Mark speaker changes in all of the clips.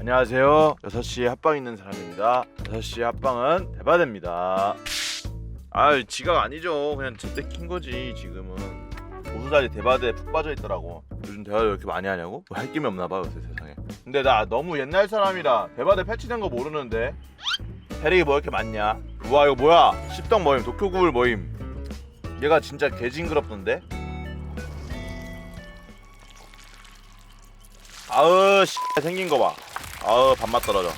Speaker 1: 안녕하세요. 6시에 합방 있는 사람입니다. 6시에 합방은 대바대입니다. 아, 지각 아니죠. 그냥 제때 킨 거지. 지금은 보수자리 대바대에 푹 빠져 있더라고. 요즘 대바대 왜 이렇게 많이 하냐고? 뭐 할 김이 없나 봐 요새 세상에. 근데 나 너무 옛날 사람이라 대바대 패치된 거 모르는데 캐릭이 뭐 이렇게 많냐? 우와, 이거 뭐야? 십덕 모임, 도쿄구울 모임. 얘가 진짜 개징그럽던데? 아으 씨 생긴 거 봐. 아으 밥맛 떨어져.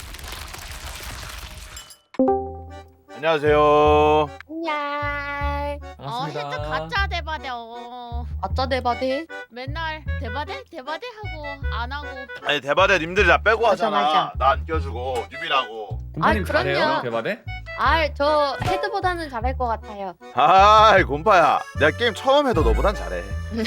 Speaker 1: 안녕하세요.
Speaker 2: 안녕.
Speaker 3: 반갑습니다.
Speaker 4: 진짜 가짜 대바대.
Speaker 2: 아짜 대바대.
Speaker 4: 맨날 대바대 하고 안 하고.
Speaker 1: 아니 대바대 님들이 다 빼고
Speaker 2: 맞아,
Speaker 1: 하잖아.
Speaker 2: 맞아.
Speaker 1: 나 안 껴주고 뉴비라고.
Speaker 3: 곰파님
Speaker 2: 아,
Speaker 3: 잘해요?
Speaker 2: 그럼요.
Speaker 3: 대바대?
Speaker 2: 저 헤드보다는 잘할 것 같아요.
Speaker 1: 아이 곰파야, 내가 게임 처음 해도 너보단 잘해.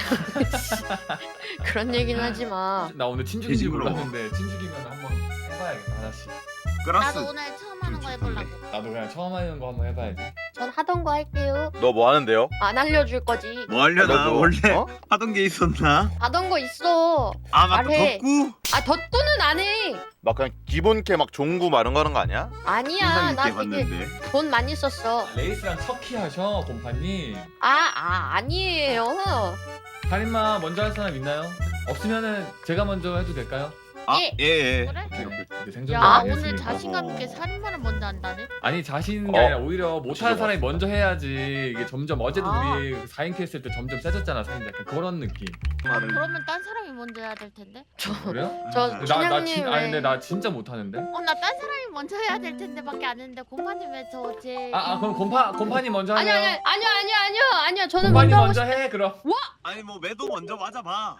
Speaker 2: 그런 얘기는 하지 마.
Speaker 3: 나 오늘 친죽인지
Speaker 5: 돼지구로.
Speaker 3: 몰랐는데 친죽이면 한번 해봐야겠다 하나씩.
Speaker 5: 그라스
Speaker 4: 나도 오늘 처음 하는 거 해보려고.
Speaker 3: 나도 그냥 처음 하는 거 한번 해봐야지.
Speaker 2: 전 하던 거 할게요.
Speaker 1: 너 뭐 하는데요?
Speaker 2: 안 알려줄 거지.
Speaker 5: 뭐 하려나
Speaker 1: 알려줘.
Speaker 5: 원래
Speaker 1: 어?
Speaker 5: 하던 게 있었나?
Speaker 2: 하던 거 있어.
Speaker 5: 아 맞다
Speaker 2: 말해.
Speaker 5: 덕구
Speaker 2: 덧구는 안 해.
Speaker 1: 막 그냥 기본캐 막 종구 막 이런 거 하는 거 아니야?
Speaker 2: 아니야.
Speaker 5: 인상
Speaker 2: 나
Speaker 5: 있게
Speaker 2: 되게
Speaker 5: 봤는데
Speaker 2: 돈 많이 썼어.
Speaker 3: 레이스랑 척키 하셔 곰파님.
Speaker 2: 아니에요.
Speaker 3: 살인마 먼저 할 사람 있나요? 없으면은 제가 먼저 해도 될까요?
Speaker 2: 예.
Speaker 5: 아예
Speaker 4: 그래?
Speaker 3: 이제 생존
Speaker 4: 야
Speaker 3: 많이
Speaker 4: 오늘
Speaker 3: 했으니까.
Speaker 4: 자신감 있게 살인마를 먼저 한다네.
Speaker 3: 아니 자신이 아니라 오히려 못하는
Speaker 1: 진짜
Speaker 3: 사람이 먼저 해야지. 이게 점점 어제도
Speaker 2: 아.
Speaker 3: 우리 4인큐 했을 때 점점 세졌잖아 살인자. 약간 그런 느낌.
Speaker 5: 말을
Speaker 4: 그러면 딴 사람이 먼저 해야 될 텐데.
Speaker 3: 그래요?
Speaker 2: 저
Speaker 5: 나-
Speaker 2: 춘향님
Speaker 3: 아니 근데
Speaker 2: 왜?
Speaker 3: 나 진짜 못하는데.
Speaker 4: 나 딴 사람이 먼저 해야 될 텐데밖에 안 했는데 곰파님 왜 저 제.
Speaker 3: 그럼 곰파님 먼저
Speaker 2: 아니요.
Speaker 3: 하세요.
Speaker 2: 아니요. 저는
Speaker 3: 곰파님
Speaker 2: 먼저 하고
Speaker 3: 먼저 해 그럼.
Speaker 5: 아니 뭐 매도 먼저 맞아봐.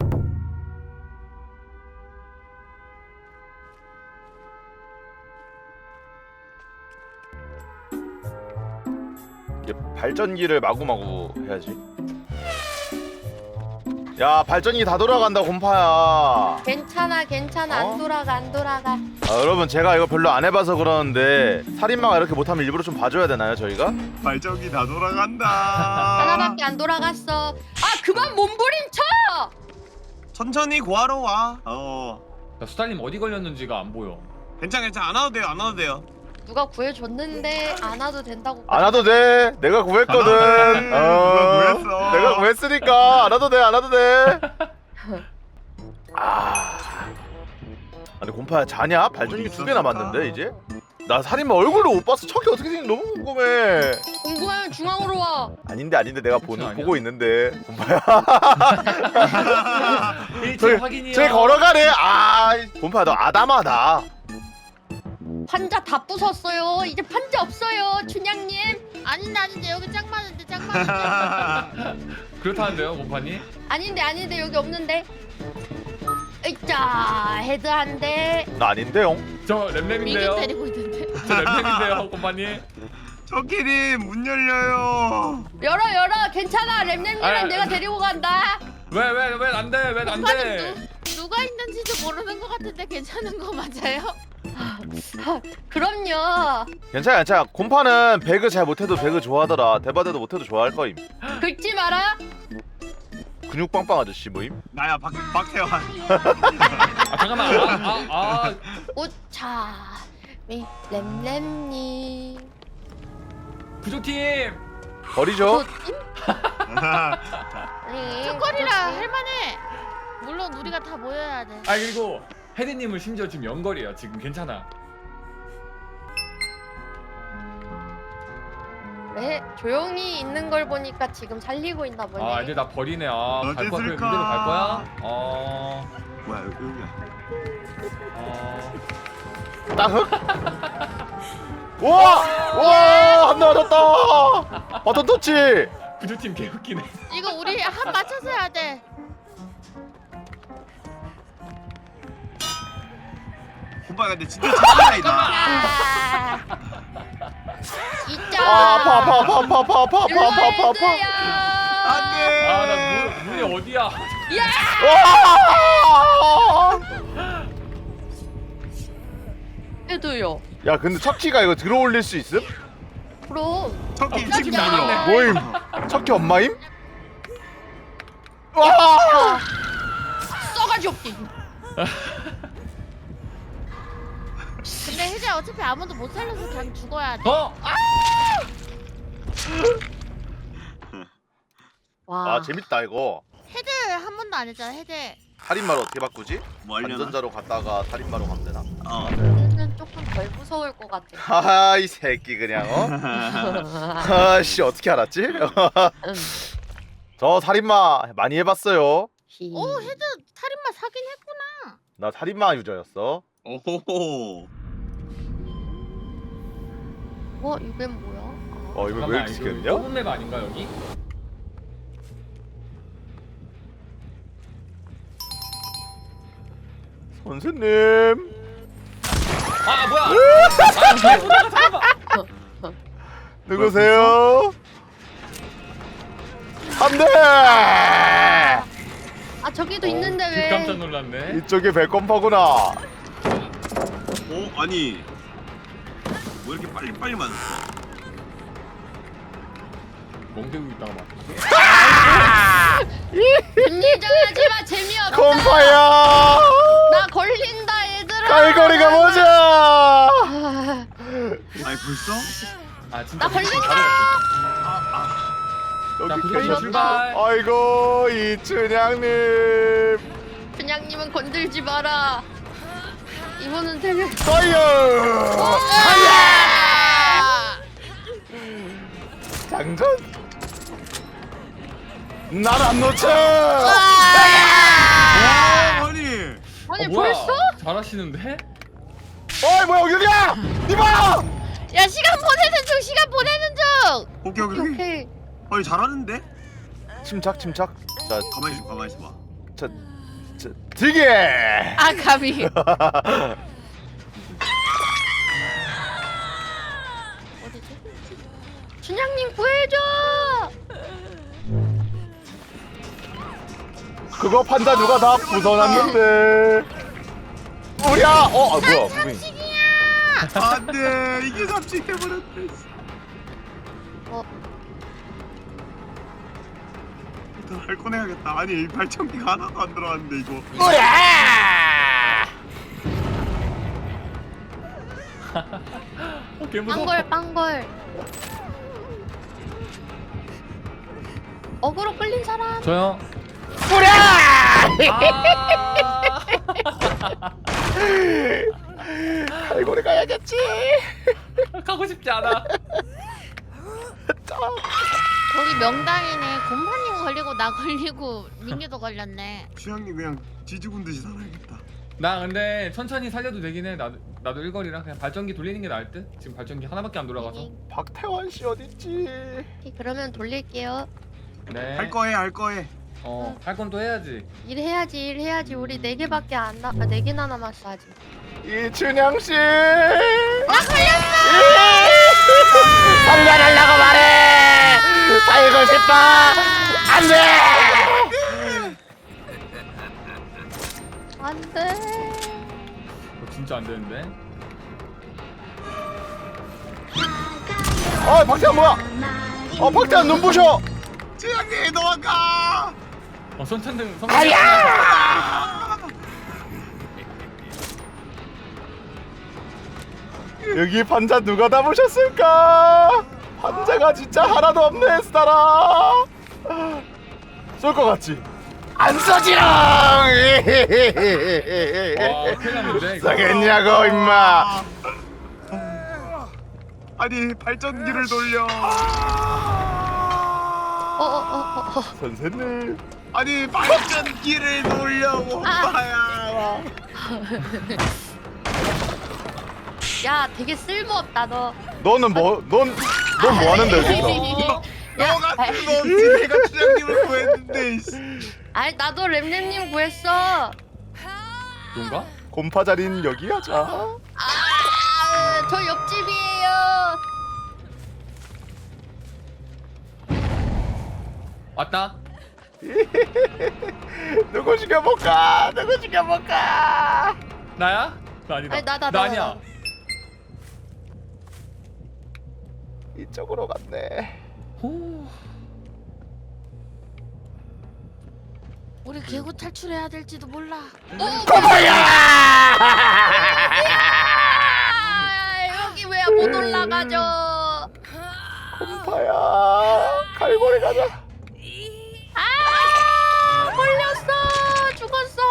Speaker 1: 이게 발전기를 마구마구 해야지. 야, 발전기 다 돌아간다 곰파야.
Speaker 2: 괜찮아.
Speaker 1: 어?
Speaker 2: 안 돌아가.
Speaker 1: 여러분, 제가 이거 별로 안 해봐서 그러는데 살인마가 이렇게 못하면 일부러 좀 봐줘야 되나요 저희가?
Speaker 5: 발전기 다 돌아간다.
Speaker 2: 하나밖에 안 돌아갔어. 그만 몸부림쳐.
Speaker 5: 천천히 구하러 와.
Speaker 3: 야, 수달님 어디 걸렸는지가 안 보여.
Speaker 5: 괜찮 안 와도 돼요.
Speaker 2: 누가 구해줬는데 안 와도 된다고.
Speaker 1: 안 와도 돼. 내가 구했거든.
Speaker 5: 누가 구했어?
Speaker 1: 내가 구했으니까 안 와도 돼. 아니 곰파야 자냐? 발전기
Speaker 5: 어디
Speaker 1: 2개 남았는데 이제? 나 살인마 얼굴도 못 봤어. 척이 어떻게 생긴지 너무 궁금해.
Speaker 2: 궁금하면 중앙으로 와.
Speaker 1: 아닌데 내가
Speaker 3: 아니야?
Speaker 1: 보고 있는데 곰파야.
Speaker 3: 일체 확인이요.
Speaker 1: 쟤 걸어가네. 곰파야 너 아담하다.
Speaker 2: 판자 다 부쉈어요. 이제 판자 없어요, 춘향님.
Speaker 4: 아닌데 여기 짱 많은데.
Speaker 3: 그렇다는데요, 곰파님?
Speaker 2: 아닌데 여기 없는데. 으짜 헤드 한 대.
Speaker 1: 나 아닌데요.
Speaker 3: 저
Speaker 4: 미긴
Speaker 3: 램램인데요.
Speaker 4: 때리고 있는데.
Speaker 3: 저 램램인데요, 곰파님.
Speaker 5: 저끼리 문 열려요.
Speaker 2: 열어. 괜찮아. 램램이랑 내가 데리고 간다.
Speaker 3: 왜 안 돼? 왜 안 돼?
Speaker 4: 누가 있는지도 모르는 것 같은데 괜찮은 거 맞아요?
Speaker 2: 그럼요.
Speaker 1: 괜찮아. 곰파는 배그 잘 못해도 배그 좋아하더라. 대바대도 못해도 좋아할 거임.
Speaker 2: 긁지 마라.
Speaker 1: 근육 빵빵 아저씨 모임.
Speaker 5: 나야 박태환.
Speaker 3: 잠깐만.
Speaker 2: 오차 램램님.
Speaker 3: 부조팀.
Speaker 1: 버리죠.
Speaker 4: 초콜이라 할만해. 물론 우리가 다 모여야 돼.
Speaker 3: 그리고 헤드님은 심지어 지금 연거리예요. 지금 괜찮아.
Speaker 2: 네, 조용히 있는 걸 보니까 지금 살리고 있나 보네.
Speaker 3: 이제 나 버리네.
Speaker 5: 어디
Speaker 3: 갈 거야?
Speaker 5: 있을까?
Speaker 3: 그대로 갈 거야?
Speaker 5: 뭐야 여기야.
Speaker 1: 따흑. 와, 한 대 맞았다. 바톤 터치.
Speaker 3: 부조팀 개웃기네.
Speaker 4: 이거 우리 한 맞춰서 해야 돼.
Speaker 5: 오빠 근데 진짜 장난이다.
Speaker 2: 아, 있자.
Speaker 1: 아파.
Speaker 5: 안돼.
Speaker 3: 나 문이 어디야?
Speaker 1: 와!
Speaker 2: 해도요.
Speaker 1: 야, 근데 척키가 이거 들어올릴 수 있음?
Speaker 2: 그럼
Speaker 5: 저끼
Speaker 3: 깜짝이야.
Speaker 5: 지금 날려.
Speaker 1: 모임. 척키 엄마임? 와!
Speaker 2: 써가지 없게.
Speaker 4: 어차피 아무도 못 살려서 그냥 죽어야 돼.
Speaker 2: 와.
Speaker 1: 아 재밌다 이거.
Speaker 4: 헤드 한 번도 안 했잖아. 헤드.
Speaker 1: 살인마로 어떻게 바꾸지?
Speaker 5: 뭐 하려나?
Speaker 1: 안전자로 갔다가 살인마로 가면 되나?
Speaker 2: 얘는 조금 덜 무서울 것 같아.
Speaker 1: 하하 이 새끼 그냥 아씨 어떻게 알았지? 저 살인마 많이 해봤어요.
Speaker 4: 오 헤드 살인마 사긴 했구나.
Speaker 1: 나 살인마 유저였어.
Speaker 5: 오호호.
Speaker 2: 이건 뭐야?
Speaker 1: 이거 왜 이렇게 시켰냐?
Speaker 3: 좁은 맵 아닌가 여기?
Speaker 1: 선생님.
Speaker 3: 아 뭐야? 아 잠깐만.
Speaker 1: 누구세요? 안돼.
Speaker 2: 아 저기도 있는데 왜?
Speaker 3: 깜짝 놀랐네.
Speaker 1: 이쪽이 배꼽파구나.
Speaker 5: 아니 뭐 이렇게 빨리 맞았어?
Speaker 3: 멍대고 있다가 막.
Speaker 2: 분리정하지마 재미없다.
Speaker 1: 콤파야.
Speaker 2: 나 걸린다 얘들아.
Speaker 1: 갈고리가 뭐죠?
Speaker 5: 아니 벌써?
Speaker 3: 아 진짜.
Speaker 2: 나 걸린다.
Speaker 3: 자
Speaker 1: 여기
Speaker 3: 부서진
Speaker 1: 계셨.
Speaker 3: 출발.
Speaker 1: 아이고 이춘향님.
Speaker 2: 준양님은 건들지 마라. 이거는 되게.
Speaker 1: 파이어.
Speaker 4: 아!
Speaker 1: 장전. 날 안 놓쳐.
Speaker 5: 아니
Speaker 2: 아니
Speaker 3: 뭐야?
Speaker 2: 벌써?
Speaker 3: 잘하시는데?
Speaker 1: 어이 뭐야 여기야? 니봐.
Speaker 4: 야 시간 보내는 중. 시간 보내는 중.
Speaker 5: 오케이.
Speaker 2: 오케이.
Speaker 5: 아니 잘하는데?
Speaker 1: 침착. 자
Speaker 5: 가만히 있어봐.
Speaker 1: 되게.
Speaker 4: 아 감히. 어디지?
Speaker 2: 준양님 구해줘.
Speaker 1: 그거 판자 누가 다 부숴놨는데. 우리야. 뭐야? 무빙.
Speaker 5: 안돼 이게 잡식해버렸대. 일단 할 꺼내야겠다. 아니 발전기가 하나도 안 들어왔는데 이거.
Speaker 3: 개 무서워.
Speaker 2: 빵걸. 어그로 끌린 사람.
Speaker 3: 저요.
Speaker 1: 갈고리 가야겠지.
Speaker 3: 가고 싶지 않아.
Speaker 4: 거기 명당이네. 곰파님 걸리고 나 걸리고 민규도 걸렸네.
Speaker 5: 수양님 그냥 지죽은 듯이 살아야겠다.
Speaker 3: 나 근데 천천히 살려도 되긴 해. 나도 일거리라 그냥 발전기 돌리는 게 나을 듯. 지금 발전기 하나밖에 안 돌아가서.
Speaker 1: 박태환 씨 어딨지?
Speaker 2: 오케이, 그러면 돌릴게요.
Speaker 3: 네.
Speaker 5: 할 거해.
Speaker 3: 할 건 또 해야지.
Speaker 2: 일해야지. 우리 4개밖에 안 나. 4개나 남았어 아직.
Speaker 1: 이춘향 씨.
Speaker 2: 나 걸렸어.
Speaker 1: 살려달라고 말해. 살고 싶어. 안돼.
Speaker 2: 안돼.
Speaker 3: 진짜 안 되는데.
Speaker 1: 박태환 뭐야? 박태환 눈부셔.
Speaker 5: 수양님 도망가.
Speaker 3: 선천등.
Speaker 1: 여기 판자 누가 담으셨을까? 판자가 진짜 하나도 없네 스타라. 쏠 것 같지? 안 쏘지롱.
Speaker 3: 큰일 났는데 이거.
Speaker 1: 쏘겠냐고 임마.
Speaker 5: 아니 발전기를 돌려.
Speaker 1: 선생님.
Speaker 5: 아니 발전기를 돌려 오빠야.
Speaker 2: 야, 되게 쓸모없다 너.
Speaker 1: 너는 뭐? 넌 뭐 하는데 여기서?
Speaker 5: 너가 쓸모없지. 내가 수양님을 구했는데.
Speaker 2: 아니 나도 램램님 구했어.
Speaker 3: 그런가?
Speaker 1: 곰파 자리는 여기 하자.
Speaker 2: 저 옆집이에요.
Speaker 3: 왔다.
Speaker 1: 누구 죽여볼까?
Speaker 3: 나야? 나 아니다.
Speaker 2: 아니, 나다,
Speaker 3: 나 아니야.
Speaker 1: 이쪽으로 갔네.
Speaker 3: 호.
Speaker 4: 우리 개구 탈출해야 될지도 몰라.
Speaker 2: 못 올라가죠.
Speaker 1: 곰파야 갈고리 가자.
Speaker 2: 아 걸렸어. 죽었어.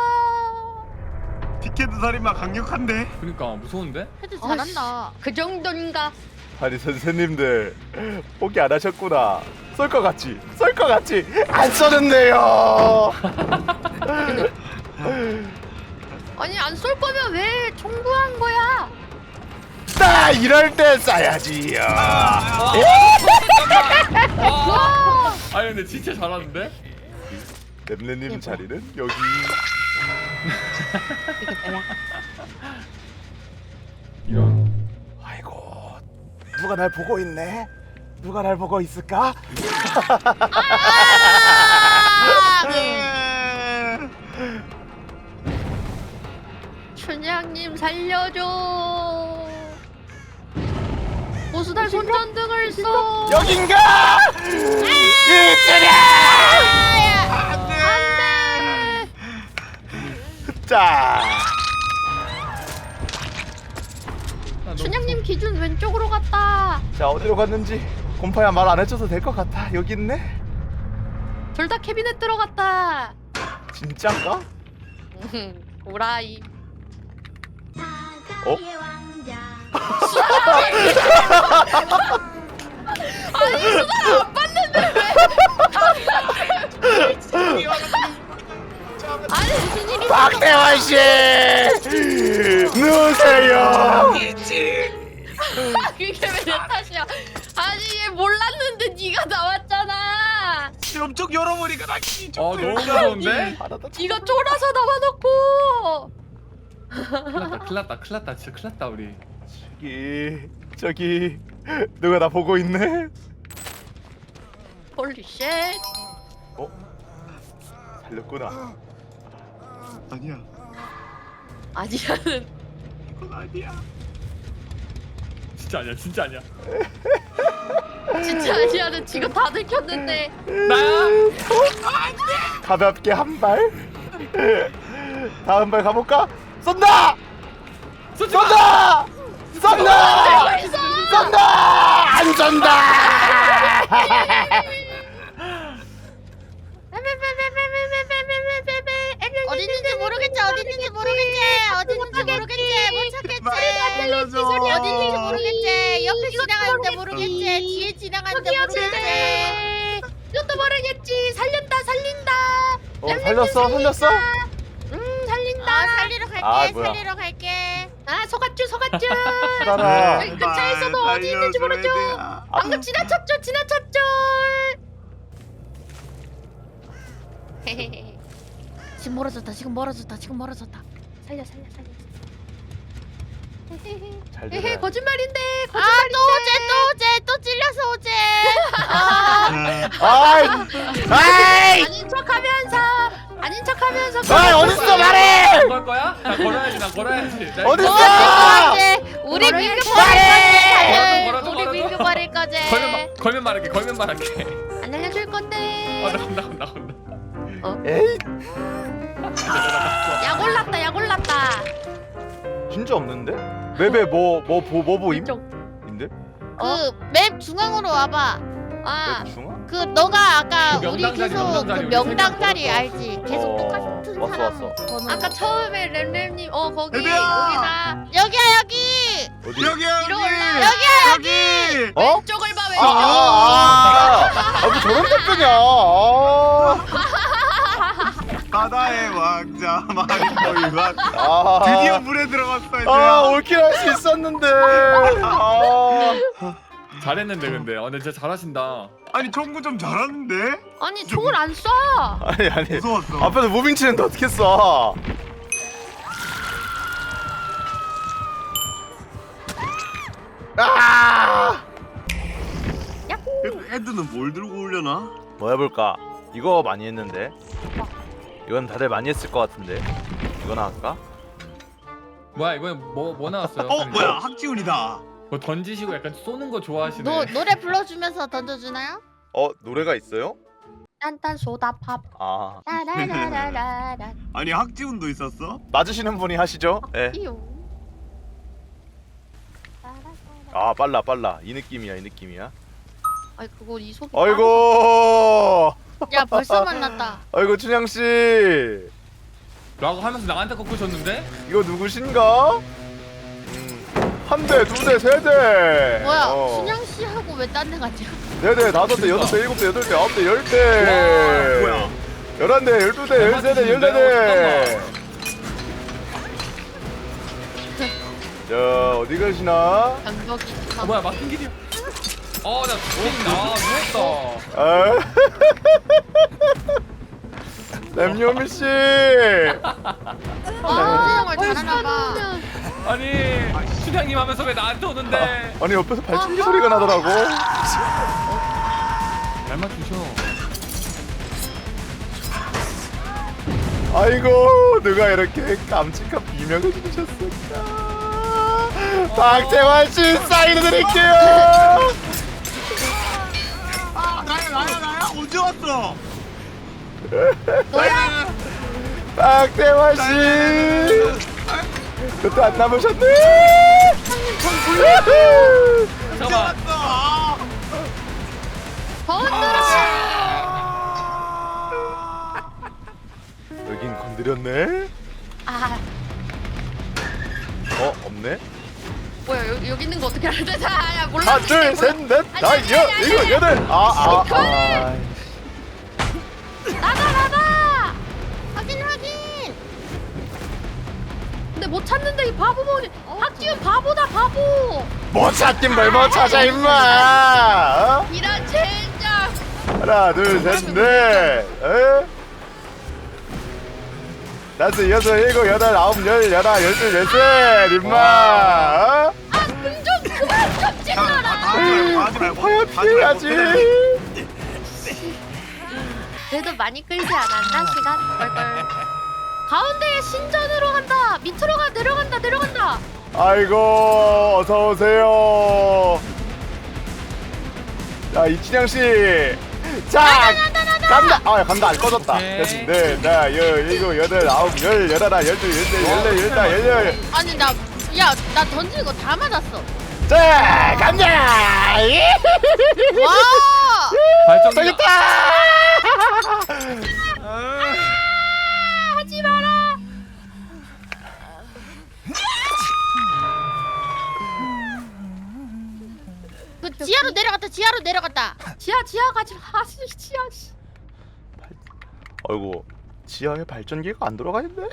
Speaker 5: 티켓 살인마 강력한데?
Speaker 3: 그러니까 무서운데?
Speaker 4: 헤드 잘한다.
Speaker 2: 그 정도인가?
Speaker 1: 아니 선생님들 포기 안 하셨구나. 쏠 것 같지? 쏠 것 같지? 안 쏘는데요.
Speaker 2: 아니 안 쏠 거면 왜 청구한 거야?
Speaker 1: 나 이럴 때 쏴야지요.
Speaker 3: 와! 아니 근데 진짜 잘하는데?
Speaker 1: 렘렘님 자리는 여기.
Speaker 3: 이런.
Speaker 1: 아이고 누가 날 보고 있네. 누가 날 보고 있을까?
Speaker 2: 춘향님 살려줘. 보수달 손전등을 써.
Speaker 1: 여긴가? 이들아!
Speaker 2: 안돼.
Speaker 1: 자,
Speaker 2: 춘향님 기준 왼쪽으로 갔다.
Speaker 1: 자 어디로 갔는지 곰파야 말 안 해줘도 될 것 같아. 여기 있네.
Speaker 2: 둘 다 캐비넷 들어갔다.
Speaker 1: 진짠가?
Speaker 2: 오라이.
Speaker 1: 어?
Speaker 2: 아니 수달 안 봤는데 왜? 아니 무슨 일이?
Speaker 1: 박대환 씨, 누구세요?
Speaker 2: 그게 왜 내 탓이야? 아니 얘 몰랐는데 네가 나왔잖아.
Speaker 5: 엄청 열어버리니까 나 기분
Speaker 3: 아 너무 무서운데?
Speaker 2: 네가 쫄아서 나와놓고.
Speaker 3: 큰일 났다 진짜 큰일 났다 우리.
Speaker 1: 저기 누가 나 보고 있네?
Speaker 2: 홀리 쉣.
Speaker 1: 어? 살렸구나.
Speaker 5: 아니야.
Speaker 2: 아니야는
Speaker 5: 이건 아니야.
Speaker 3: 진짜 아니야 진짜 아니야.
Speaker 2: 진짜 아니야는 지금 다 들켰는데.
Speaker 3: 나야?
Speaker 1: 가볍게 한 발. 다음 발 가볼까? 쏜다!
Speaker 3: 쏘지 마!
Speaker 1: 쏜다! 쏜다! 쏜다! 안 쏜다!
Speaker 4: 어딘지 모르겠지. 어딘지 모르겠지. 못 찾겠지. 어딘지 모르겠지. 옆에 지나가는데 모르겠지. 뒤에 지나가는데 모르겠지.
Speaker 2: 이것도 모르겠지. 살린다.
Speaker 1: 살렸어?
Speaker 2: 살린다.
Speaker 4: 아 살리러 갈게.
Speaker 1: 아, 뭐야.
Speaker 4: 살리러 갈게.
Speaker 2: 아 속았쥬.
Speaker 1: 따라.
Speaker 2: 그 차에서도 어디 있는지 모르죠. 방금
Speaker 1: 아.
Speaker 2: 지나쳤죠.
Speaker 4: 지금 멀어졌다.
Speaker 2: 살려.
Speaker 1: 잘
Speaker 2: 헤헤
Speaker 1: 들어야
Speaker 2: 거짓말인데.
Speaker 4: 또 찔려서 오제.
Speaker 1: 아이!
Speaker 2: 아닌 척하면서.
Speaker 1: 아이 어딨어 말해!
Speaker 3: 걸 거야? 나 걸어야지. 나
Speaker 1: 어딨어?
Speaker 4: 우리
Speaker 2: 걸어야지.
Speaker 4: 민규
Speaker 1: 말해!
Speaker 4: 버릴 거지. 우리 민규 버릴 거지.
Speaker 3: 걸면 말할게.
Speaker 2: 안 알려줄 건데.
Speaker 3: 나온다.
Speaker 1: 에이
Speaker 2: 약 올랐다.
Speaker 1: 진짜 없는데? 맵에 뭐 보임?
Speaker 2: 왼쪽.
Speaker 1: 인데?
Speaker 4: 그 맵 중앙으로 와봐.
Speaker 2: 아
Speaker 1: 맵 중앙?
Speaker 4: 그 너가 아까
Speaker 3: 그
Speaker 4: 우리
Speaker 3: 명당 자리,
Speaker 4: 계속
Speaker 3: 명당 자리
Speaker 4: 그
Speaker 3: 우리
Speaker 4: 명당
Speaker 3: 세명
Speaker 4: 자리
Speaker 3: 걸었어.
Speaker 4: 알지? 계속 똑같은
Speaker 1: 왔어,
Speaker 4: 사람
Speaker 1: 왔어.
Speaker 4: 번호.
Speaker 2: 아까 처음에 램램님 거기
Speaker 5: 애들아!
Speaker 2: 우리다.
Speaker 4: 여기야 여기.
Speaker 1: 어디?
Speaker 5: 여기
Speaker 2: 위로 올라.
Speaker 5: 여기.
Speaker 1: 어?
Speaker 2: 왼쪽을 봐 왼쪽.
Speaker 1: 뭐 저런 답변이야.
Speaker 5: 바다의 왕자 마리코이만
Speaker 1: 아.
Speaker 5: 드디어 물에 들어갔어 이제.
Speaker 1: 올킬 할 수 있었는데.
Speaker 3: 잘했는데 근데. 근데 진짜 잘하신다.
Speaker 5: 아니 청구 좀 잘하는데?
Speaker 2: 아니 총을 안 쏴.
Speaker 1: 아니.
Speaker 5: 무서웠어.
Speaker 1: 앞에서 무빙 치는데 어떻게 써? 아!
Speaker 5: 애들은 뭘 들고 오려나?
Speaker 1: 뭐 해볼까? 이거 많이 했는데. 이건 다들 많이 했을 것 같은데. 이거나 할까?
Speaker 3: 뭐야 이번에 뭐 나왔어요?
Speaker 5: 뭐야 학지훈이다.
Speaker 3: 뭐 던지시고 약간 쏘는 거 좋아하시네.
Speaker 4: 노래 불러주면서 던져주나요?
Speaker 1: 노래가 있어요?
Speaker 2: 딴딴 소다팝.
Speaker 1: 아
Speaker 2: 라라라라라라.
Speaker 5: 아니 학지훈도 있었어?
Speaker 1: 맞으시는 분이 하시죠? 예.
Speaker 2: 이요.
Speaker 1: 아 빨라 이 느낌이야.
Speaker 2: 아이 그거 이 속이.
Speaker 1: 아이고
Speaker 4: 야 벌써 만났다.
Speaker 1: 아이고 춘향씨
Speaker 3: 라고 하면서 나한테 꺾으셨는데?
Speaker 1: 이거 누구신가? 한 대, 두 대, 세 대.
Speaker 4: 뭐야 순양 씨하고 왜 딴 데 갔지?
Speaker 1: 네 대, 다섯 대, 여섯 대, 일곱 대, 여덟 대, 아홉 대, 열 대.
Speaker 5: 뭐야?
Speaker 1: 11대, 12대, 13대, 14대. 자, 어디 가시나?
Speaker 2: 장벽이.
Speaker 3: 뭐야 막힌 길이야. 나 죽겠다. 누웠다.
Speaker 1: 아. 램요미 씨.
Speaker 4: 순양을 잘하나봐.
Speaker 3: 아니 춘향님 하면서 왜 나한테 오는데?
Speaker 1: 아니 옆에서 발전기 소리가 나더라고.
Speaker 3: 잘 맞추셔.
Speaker 1: 아이고 누가 이렇게 깜찍한 비명을 주셨을까? 박태환 씨 사인해 드릴게요.
Speaker 5: 아 나야 언제 왔어?
Speaker 2: 너야?
Speaker 1: 박태환 씨 그때 안 남으셨네.
Speaker 5: 언제
Speaker 3: 잠깐만.
Speaker 5: 왔어?
Speaker 1: 여긴 건드렸네.
Speaker 2: 아
Speaker 1: 없네.
Speaker 2: 뭐야 여기 있는 거 어떻게 알았대? 야 몰라.
Speaker 1: 하나 둘 셋 넷 다섯 일곱 여덟.
Speaker 2: 나가.
Speaker 4: 확인.
Speaker 2: 근데 못 찾는데 이 바보 뭐지? 박지훈 바보다 바보.
Speaker 1: 못 찾긴 뭘 못 찾아 임마.
Speaker 2: 이런 젠장.
Speaker 1: 하나 둘 셋 넷. 다섯 여섯 일곱 여덟 아홉 열 열하 열둘 열셋 임마.
Speaker 2: 아좀 그만 좀 찍어라.
Speaker 5: 하지 말고
Speaker 1: 화야 피해야지.
Speaker 2: 그래도 많이 끌지 않았나 시간? 뻘뻘. 가운데 신전으로 간다. 밑으로 내려간다.
Speaker 1: 아이고 어서 오세요. 자 이춘향 씨. 자 간다. 간다 안 꺼졌다.
Speaker 3: 오케이.
Speaker 1: 네, 나 열일곱 여덟 아홉 열 열하나 열둘 열셋 열넷 열다 열열.
Speaker 4: 아니 나 던진 거 다 맞았어.
Speaker 1: 자 간다.
Speaker 4: 와.
Speaker 3: 발전기.
Speaker 1: 저기 있다.
Speaker 2: 하지 마라.
Speaker 4: 그 지하로 내려갔다.
Speaker 2: 지하 가지 마. 지하.
Speaker 1: 아이고 지하에 발전기가 안 돌아가는데.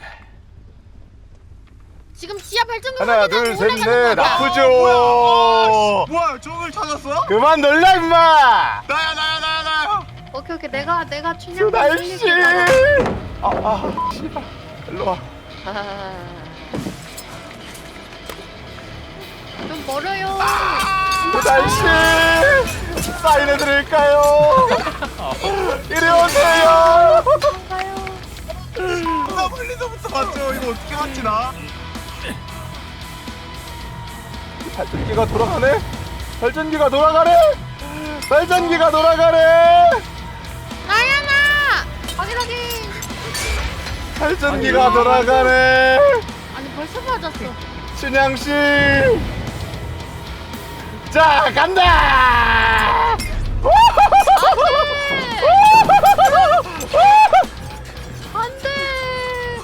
Speaker 4: 지금 지하 발전기
Speaker 1: 하나
Speaker 4: 확인하고
Speaker 1: 둘 셋
Speaker 4: 올라가는
Speaker 1: 넷
Speaker 4: 거야.
Speaker 1: 아프죠.
Speaker 5: 뭐야 저걸 찾았어?
Speaker 1: 그만 놀라 임마.
Speaker 5: 나야.
Speaker 2: 오케이 내가 춘향
Speaker 1: 수달씨. 씨발 일로 와.
Speaker 2: 좀 멀어요.
Speaker 1: 수달씨 사인해드릴까요? 이리 오세요.
Speaker 2: 가요.
Speaker 5: 나 멀리서부터 봤죠. 이거 어떻게 맞지 나?
Speaker 1: 발전기가 돌아가네. 발전기가 돌아가네.
Speaker 4: 나야 나.
Speaker 2: 확인.
Speaker 1: 발전기가 돌아가네.
Speaker 4: 아니 벌써 맞았어.
Speaker 1: 춘향 씨. 자 간다.
Speaker 2: 안돼.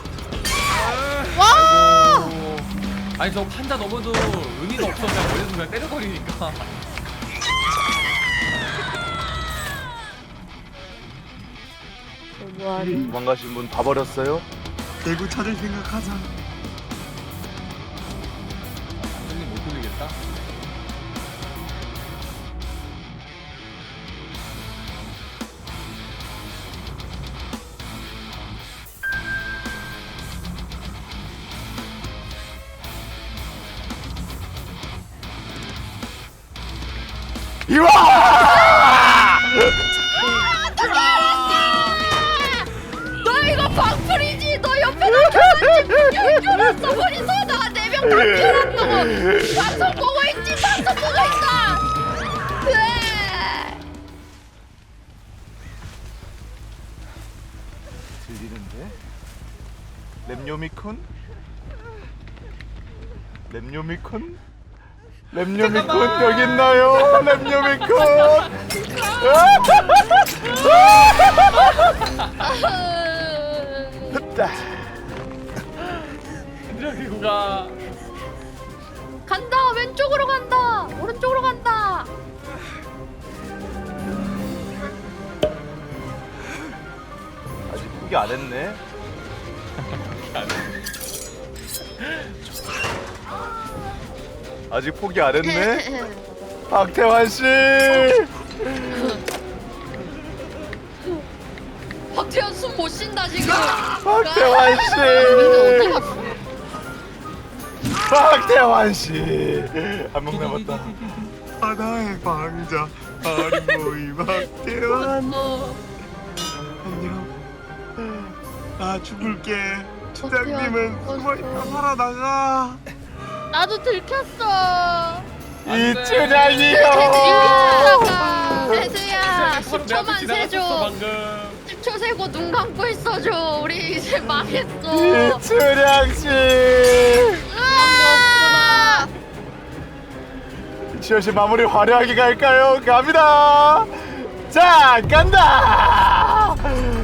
Speaker 4: 와.
Speaker 3: 아니 저 판자 넘어도 의미가 없어. 그냥 멀리서 그냥 때려버리니까.
Speaker 1: 도망가신 분 다 버렸어요?
Speaker 5: 대구 찾을 생각하자.
Speaker 3: 발전기 못 돌리겠다.
Speaker 1: 이와!
Speaker 2: 너 이거 방풀이지. 너 옆에다 켜놨지. 머리서 나가 4명 다 켜놨다고. 방송 보고 있지. 네.
Speaker 1: 들리는데? 램요미콘? 랩녀미콘 여기 있나요? 랩녀미콘.
Speaker 3: 그리고 가.
Speaker 2: 간다. 왼쪽으로 간다. 오른쪽으로 간다.
Speaker 1: 아직 포기 안 했네. 아직 포기 안 했네. 박태환 씨.
Speaker 2: 박태현 숨 못 쉰다 지금.
Speaker 1: 박태환 씨.
Speaker 4: 어디 갔어?
Speaker 1: 박태환 씨. 한 명 남았다.
Speaker 5: 바다의 광자 아리모이 박태환 안녕. 아 죽을게. 추장님은 숨어있다 살아나가.
Speaker 4: 나도 들켰어.
Speaker 1: 이춘향이요.
Speaker 2: 세수야.
Speaker 3: 바로 내
Speaker 2: 10초만
Speaker 3: 앞에 지나갔었어
Speaker 2: 세줘.
Speaker 3: 방금.
Speaker 2: 10초 세고 눈 감고 있어줘. 우리 이제 망했어.
Speaker 1: 이춘향 씨.
Speaker 4: 없구나.
Speaker 1: 이춘향 씨 마무리 화려하게 갈까요? 갑니다. 자 간다.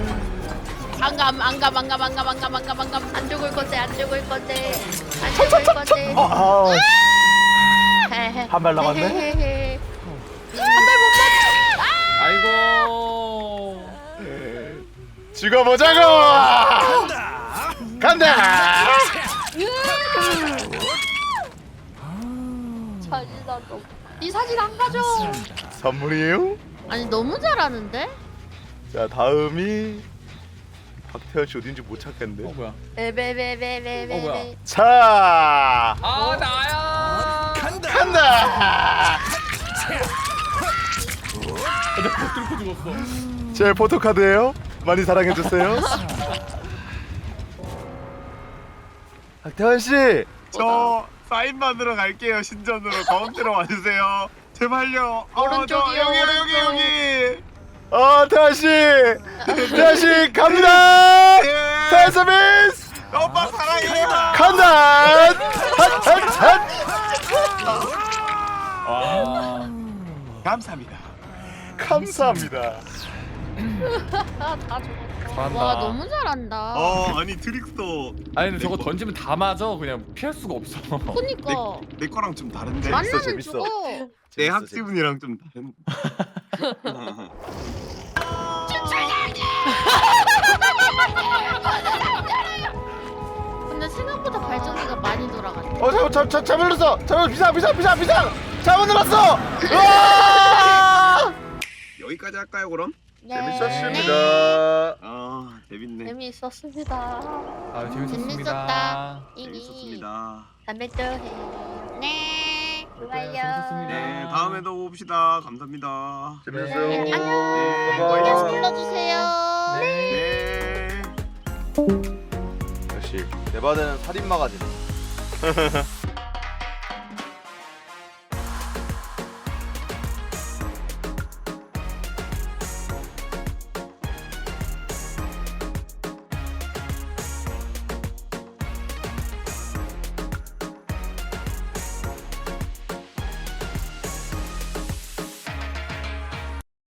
Speaker 4: 안감.
Speaker 2: 안 죽을 건데 안 죽을 건데 안 죽을 건데.
Speaker 1: 한 발 남았네.
Speaker 2: 한발 못
Speaker 3: 아이고.
Speaker 1: 죽어보자고. 간다.
Speaker 2: 사진아 너. 이 사진 안 가져.
Speaker 1: 선물이에요?
Speaker 4: 아니 너무 잘하는데?
Speaker 1: 자 다음이 박태현 씨 어딘지 못 찾겠는데.
Speaker 3: 뭐야?
Speaker 2: 베베베베베베.
Speaker 3: 뭐야?
Speaker 1: 자
Speaker 3: 아 나야.
Speaker 1: 간다.
Speaker 3: 내가 뚫고 죽었어.
Speaker 1: 제 포토카드예요. 많이 사랑해 주세요. 박태환 씨.
Speaker 5: 저 사인 받으러 갈게요. 신전으로 가운데로 와주세요. 제발요.
Speaker 2: 오른쪽이요,
Speaker 5: 여기.
Speaker 1: 태환 씨. 태환 씨 갑니다.
Speaker 5: 예.
Speaker 1: 태환 서비스
Speaker 5: 오빠 사랑해요.
Speaker 1: 간다. 핫.
Speaker 3: 와.
Speaker 5: 감사합니다.
Speaker 1: 감사합니다.
Speaker 2: 다 죽었어.
Speaker 3: 잘한다.
Speaker 4: 와 너무 잘한다.
Speaker 5: 아니 트릭스도
Speaker 3: 아니 근데 저거 던지면 다 맞아. 그냥 피할 수가 없어.
Speaker 4: 그니까
Speaker 5: 내 거랑 좀 다른데.
Speaker 4: 만나면
Speaker 1: 재밌어.
Speaker 4: 죽어.
Speaker 5: 내 학지분이랑 좀 다른.
Speaker 4: 근데 생각보다 발전기가 많이 돌아갔네.
Speaker 1: 잘못 눌렀어. 비상. 잘못 눌렀어. 으아!
Speaker 5: 여기까지 할까요 그럼?
Speaker 4: 네.
Speaker 1: 재밌었습니다.
Speaker 5: 재밌네.
Speaker 2: 재미있었습니다.
Speaker 3: 아 재밌었습니다.
Speaker 4: 재밌었다.
Speaker 5: 재밌었습니다.
Speaker 2: 다음에 또 해.
Speaker 4: 네.
Speaker 2: 좋아요.
Speaker 3: 재밌었습니다.
Speaker 5: 네 다음에도 봅시다. 감사합니다.
Speaker 1: 재밌었어요.
Speaker 4: 네, 안녕.
Speaker 5: 네,
Speaker 4: 계속
Speaker 1: 바이.
Speaker 4: 불러주세요.
Speaker 5: 네.
Speaker 1: 역시 대바대는 살인 마가진.